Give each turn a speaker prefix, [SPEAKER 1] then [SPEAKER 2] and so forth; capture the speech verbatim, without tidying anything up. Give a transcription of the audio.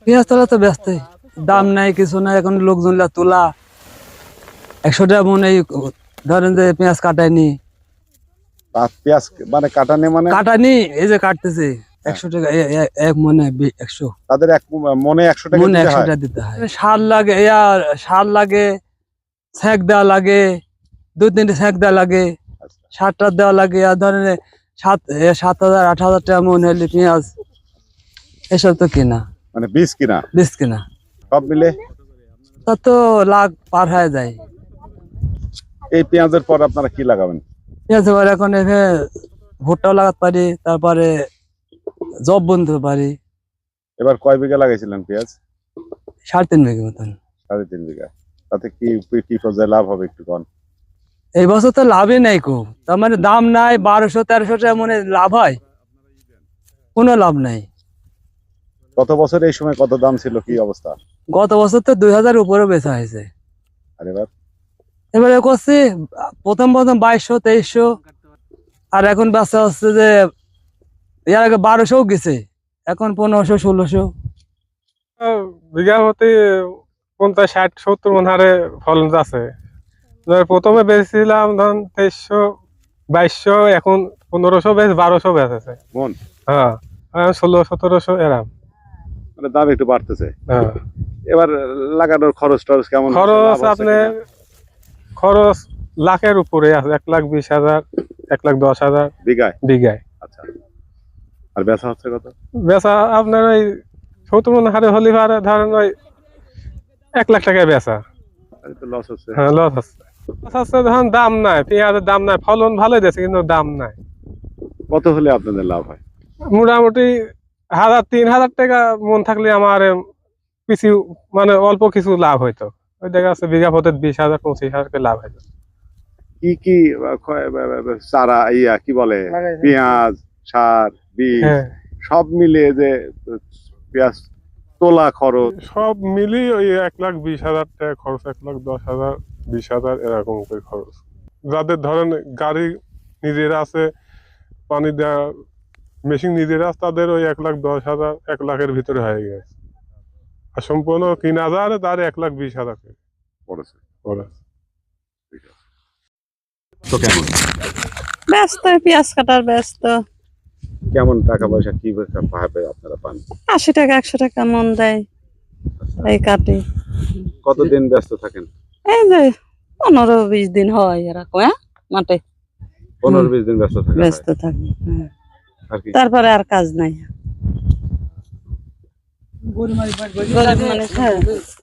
[SPEAKER 1] পেঁয়াজ তোলা তো ব্যস্ত, দাম নাই কিছু নাই, এখন লোকজন তোলা একশো টাকা মনে ধরেন যে পেঁয়াজ কাটায়নি,
[SPEAKER 2] পেঁয়াজ মানে কাটানি মানে
[SPEAKER 1] কাটানি এই যে কাটতেছে একশো টাকা এক মনে একশো,
[SPEAKER 2] তাদের এক মনে একশো টাকা
[SPEAKER 1] মনে
[SPEAKER 2] দিতে
[SPEAKER 1] একশো
[SPEAKER 2] হয়।
[SPEAKER 1] টাকা দিতে হয়। সার লাগে, ইয়া সার লাগে, ছ্যাঁক দেওয়া লাগে, দুই তিনটে ছ্যাঁক দেওয়া লাগে, সার টার দেওয়া লাগে। আর ধরেন সাত সাত হাজার আট হাজার টাকা মনে হলে পেঁয়াজ এসব তো কিনা,
[SPEAKER 2] মানে বীজ কিনা
[SPEAKER 1] বীজ কিনা
[SPEAKER 2] সব মিলে
[SPEAKER 1] তা তো লাখ পার হয়ে যায়।
[SPEAKER 2] এই পেঁয়াজের পর আপনারা কি লাগাবেন?
[SPEAKER 1] পেঁয়াজ এবার এখন এখানে ভুট্টাও লাগাতে পারি, তারপরে জব বুনতে পারি।
[SPEAKER 2] এবার কয় বিঘা লাগাইছিলেন পেঁয়াজ?
[SPEAKER 1] সাড়ে তিন বিঘা মতন।
[SPEAKER 2] সাড়ে তিন বিঘা। তাতে কি কি পর্যায়ে লাভ হবে একটু কন?
[SPEAKER 1] এই বছর তো লাভই নাই খুব, তার মানে দাম নাই, বারোশো তেরোশো টাকা মনে লাভ হয়, কোনো লাভ নাই।
[SPEAKER 2] গত বছর এই সময় কত দাম ছিল, কি অবস্থা?
[SPEAKER 1] গত বছর তো দুই হাজার উপরে বেচা হয়েছে।
[SPEAKER 2] আর এবার
[SPEAKER 1] এবারে করছি প্রথম প্রথম বাইশশো তেইশশো, আর এখন বেচা হচ্ছে যে এর আগে বারোশো গেছে, এখন পনেরোশো ষোলোশো।
[SPEAKER 3] বিঘা প্রতি পঞ্চাশ ষাট সত্তর মন হারে ফলন আছে। প্রথমে বেচছিলাম ধরুন তেইশশো বাইশশো, এখন পনেরোশো বেচ বারোশো বেচ আছে
[SPEAKER 2] মন।
[SPEAKER 3] হ্যাঁ, ষোলো সতেরোশো এরাম,
[SPEAKER 2] মানে দাম একটু বাড়তেছে।
[SPEAKER 3] হ্যাঁ।
[SPEAKER 2] এবার লাগানোর খরচ টরচ কেমন?
[SPEAKER 3] খরচ আপনার খরচ লাখের উপরে আছে, এক লাখ বিশ হাজার এক লাখ দশ হাজার
[SPEAKER 2] বিঘায়
[SPEAKER 3] বিঘায়।
[SPEAKER 2] আচ্ছা, আর বেচা হচ্ছে কত?
[SPEAKER 3] বেচা আপনার ওই সত্তর মন হারে হলি পারে ধরেন ওই এক লাখ টাকায় বেচা।
[SPEAKER 2] লস হচ্ছে।
[SPEAKER 3] হ্যাঁ, লস হচ্ছে। লস হচ্ছে ধরেন দাম নাই, পেঁয়াজের দাম নাই, ফলন ভালোই দিয়েছে কিন্তু দাম নাই।
[SPEAKER 2] কত হলে আপনাদের লাভ হয়?
[SPEAKER 3] মোটামুটি হাজার তিন হাজার টাকা মন থাকলে আমার কিছু মানে অল্প কিছু লাভ হইতো। ওই দেখা যাচ্ছে বিঘা প্রতি বিশ হাজার পঁচিশ হাজার লাভ হইতো।
[SPEAKER 2] কি কি চারা ইয়া কি বলে পেঁয়াজ সার বীজ সব মিলিয়ে যে পেঁয়াজ তোলা খরচ
[SPEAKER 3] সব মিলিয়ে ওই এক লাখ বিশ হাজার টাকা খরচ, এক লাখ দশ হাজার বিশ হাজার এরকম করে খরচ। যাদের ধরেন গাড়ি নিজেরা আছে, পানি দেওয়া মেশিন নিজেরা আছে, তাদের ওই এক লাখ দশ হাজার এক লাখের ভিতরে হয়ে গেছে। আর সম্পূর্ণ তিন হাজার তার এক লাখ বিশ হাজার
[SPEAKER 2] পড়েছে।
[SPEAKER 4] তো কেমন
[SPEAKER 5] ব্যস্ত, পেঁয়াজ কাটার ব্যস্ত।
[SPEAKER 2] কেমন টাকা পয়সা কি ভাবে আপনারা পান?
[SPEAKER 5] আশি টাকা একশো টাকা মন দেয়, এই কাটি।
[SPEAKER 2] কতদিন ব্যস্ত থাকেন?
[SPEAKER 5] এই যে পনেরো বিশ দিন হয় এরকম, হ্যাঁ মাঠে
[SPEAKER 2] পনেরো বিশ দিন ব্যস্ত থাকেন।
[SPEAKER 5] ব্যস্ত থাকি,
[SPEAKER 2] আর কি
[SPEAKER 5] তারপরে আর কাজ নাই। গরিব মানুষ, হ্যাঁ।